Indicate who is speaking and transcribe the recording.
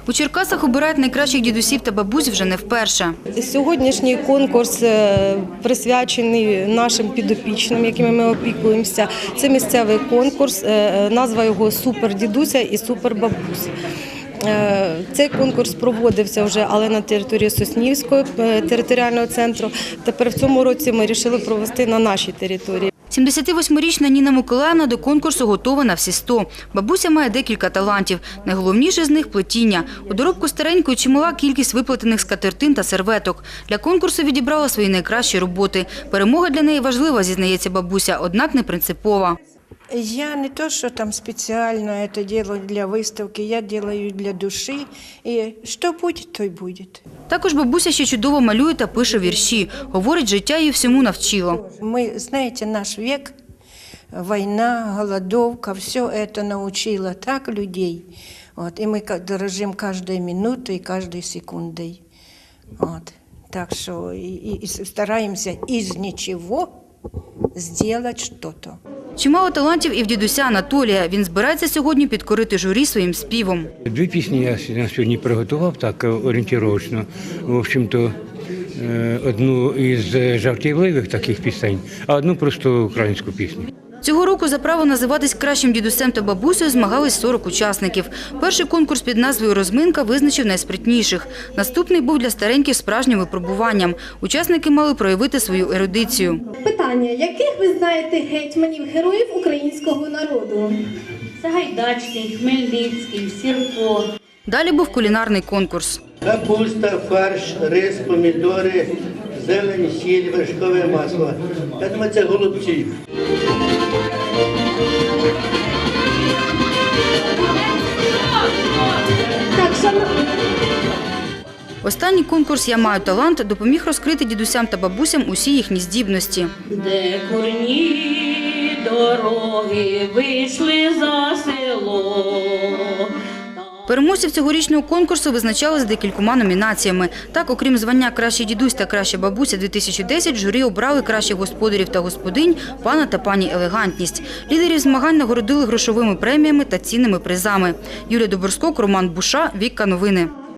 Speaker 1: У Черкасах обирають найкращих дідусів та бабусь вже не вперше.
Speaker 2: Сьогоднішній конкурс присвячений нашим підопічним, якими ми опікуємося. Це місцевий конкурс, назва його «Супер дідуся» і «Супер бабусь». Цей конкурс проводився вже, але на території Соснівського територіального центру. Тепер в цьому році ми вирішили провести на нашій території.
Speaker 1: 78-річна Ніна Миколаївна до конкурсу готова на всі 100. Бабуся має декілька талантів. Найголовніше з них – плетіння. У доробку старенької чимала кількість виплетених скатертин та серветок. Для конкурсу відібрала свої найкращі роботи. Перемога для неї важлива, зізнається бабуся, однак не принципова.
Speaker 3: Я не то, что там специально это делаю для выставки, я делаю для души, и что будет, то и будет.
Speaker 1: Також бабуся ще чудово малює та пише вірші. Говорить, життя її всьому навчило.
Speaker 3: Мы, знаете, наш век, война, голодовка, все это научило так людей. Вот, и мы дорожим каждой минутой, каждой секундой. Вот. Так что и стараемся из ничего сделать что-то.
Speaker 1: Чимало талантів і в дідуся Анатолія. Він збирається сьогодні підкорити журі своїм співом.
Speaker 4: 2 пісні я на сьогодні приготував, так орієнтировочно. В общем-то, одну із жартівливих таких пісень, а одну просто українську пісню.
Speaker 1: Цього року за право називатись кращим дідусем та бабусею змагались 40 учасників. Перший конкурс під назвою «Розминка» визначив найспритніших. Наступний був для стареньких справжнім випробуванням. Учасники мали проявити свою ерудицію.
Speaker 5: Питання. Яких ви знаєте гетьманів, героїв українського народу?
Speaker 6: Сагайдачний, Хмельницький, Сірко.
Speaker 1: Далі був кулінарний конкурс.
Speaker 7: Капуста, фарш, рис, помідори, зелень, сіль, вершкове масло. Я думаю, це голубці.
Speaker 1: Останній конкурс «Я маю талант» допоміг розкрити дідусям та бабусям усі їхні здібності.
Speaker 6: Де курні дороги вийшли за село.
Speaker 1: Переможців цьогорічного конкурсу визначали з декількома номінаціями. Так, окрім звання «Кращий дідусь» та «Краща бабуся-2010», журі обрали кращих господарів та господинь, пана та пані елегантність. Лідерів змагань нагородили грошовими преміями та цінними призами. Юлія Доборськок, Роман Буша, Вікка Новини.